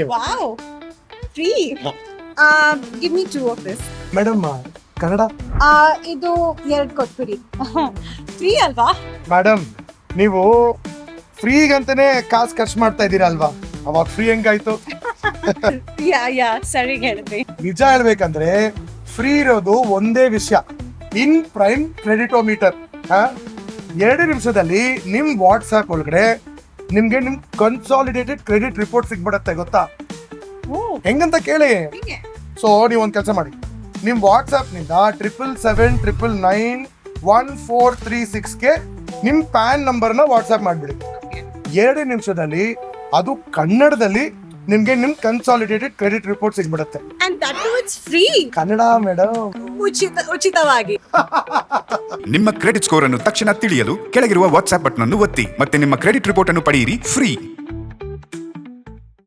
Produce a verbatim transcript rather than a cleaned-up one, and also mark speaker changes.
Speaker 1: Okay
Speaker 2: wow free um give me two of this
Speaker 1: madam Kannada
Speaker 2: ಆ ಇದು ಎರಡು ಕೊಟ್ಬಿಡಿ ಫ್ರೀ ಅಲ್ವಾ
Speaker 1: ಮೇಡಮ್ ನೀವು ಫ್ರೀಗಂತಾನೆ ಕಾಸು ಖರ್ಚು ಮಾಡ್ತಾ ಇದ್ದೀರಾ ಅಲ್ವಾ, ಅವಾಗ ಫ್ರೀ ಹೆಂಗಾಯ್ತು?
Speaker 2: ಯಾ ಯಾ ಸರಿ ಹೇಳಿದ್ರಿ.
Speaker 1: ನಿಜ ಹೇಳ್ಬೇಕಂದ್ರೆ ಫ್ರೀ ಇರೋದು ಒಂದೇ ವಿಷಯ, ಇನ್ ಪ್ರೈಮ್ ಕ್ರೆಡಿಟೋಮೀಟರ್. ಎರಡು ನಿಮಿಷದಲ್ಲಿ ನಿಮ್ ವಾಟ್ಸ್ಆಪ್ ಒಳಗಡೆ ನಿಮ್ಗೆ ನಿಮ್ ಕನ್ಸಾಲಿಡೇಟೆಡ್ ಕ್ರೆಡಿಟ್ ರಿಪೋರ್ಟ್ ಸಿಗ್ಬಿಡತ್ತೆ, ಗೊತ್ತಾ?
Speaker 2: ಓ
Speaker 1: ಹೆಂಗಂತ ಕೇಳಿ.
Speaker 2: ಹೀಗೆ
Speaker 1: ಸೊ ನೀವು ಒಂದು ಕೆಲಸ ಮಾಡಿ, ನಿಮ್ ವಾಟ್ಸ್ಆಪ್ ನಿಂದ triple seven triple nine one four three ಸಿಕ್ಸ್ಗೆ ನಿಮ್ ಪ್ಯಾನ್ ನಂಬರ್ನ ವಾಟ್ಸ್ಆಪ್ ಮಾಡಿಬಿಡಿ. ಎರಡು ನಿಮಿಷದಲ್ಲಿ ಅದು ಕನ್ನಡದಲ್ಲಿ ನಿಮ್ಗೆ ನಿಮ್ ಕನ್ಸಾಲಿಡೇಟೆಡ್ ಕ್ರೆಡಿಟ್ ರಿಪೋರ್ಟ್ ಸಿಗ್ಬಿಡುತ್ತೆ.
Speaker 2: and that too it's free
Speaker 1: Kannada madam,
Speaker 2: ಉಚಿತ ಉಚಿತವಾಗಿ.
Speaker 3: ನಿಮ್ಮ ಕ್ರೆಡಿಟ್ ಸ್ಕೋರ್ ಅನ್ನು ತಕ್ಷಣ ತಿಳಿಯಲು ಕೆಳಗಿರುವ ವಾಟ್ಸ್ಆಪ್ ಬಟನ್ ಅನ್ನು ಒತ್ತಿ ಮತ್ತೆ ನಿಮ್ಮ ಕ್ರೆಡಿಟ್ ರಿಪೋರ್ಟ್ ಅನ್ನು ಪಡೆಯಿರಿ ಫ್ರೀ.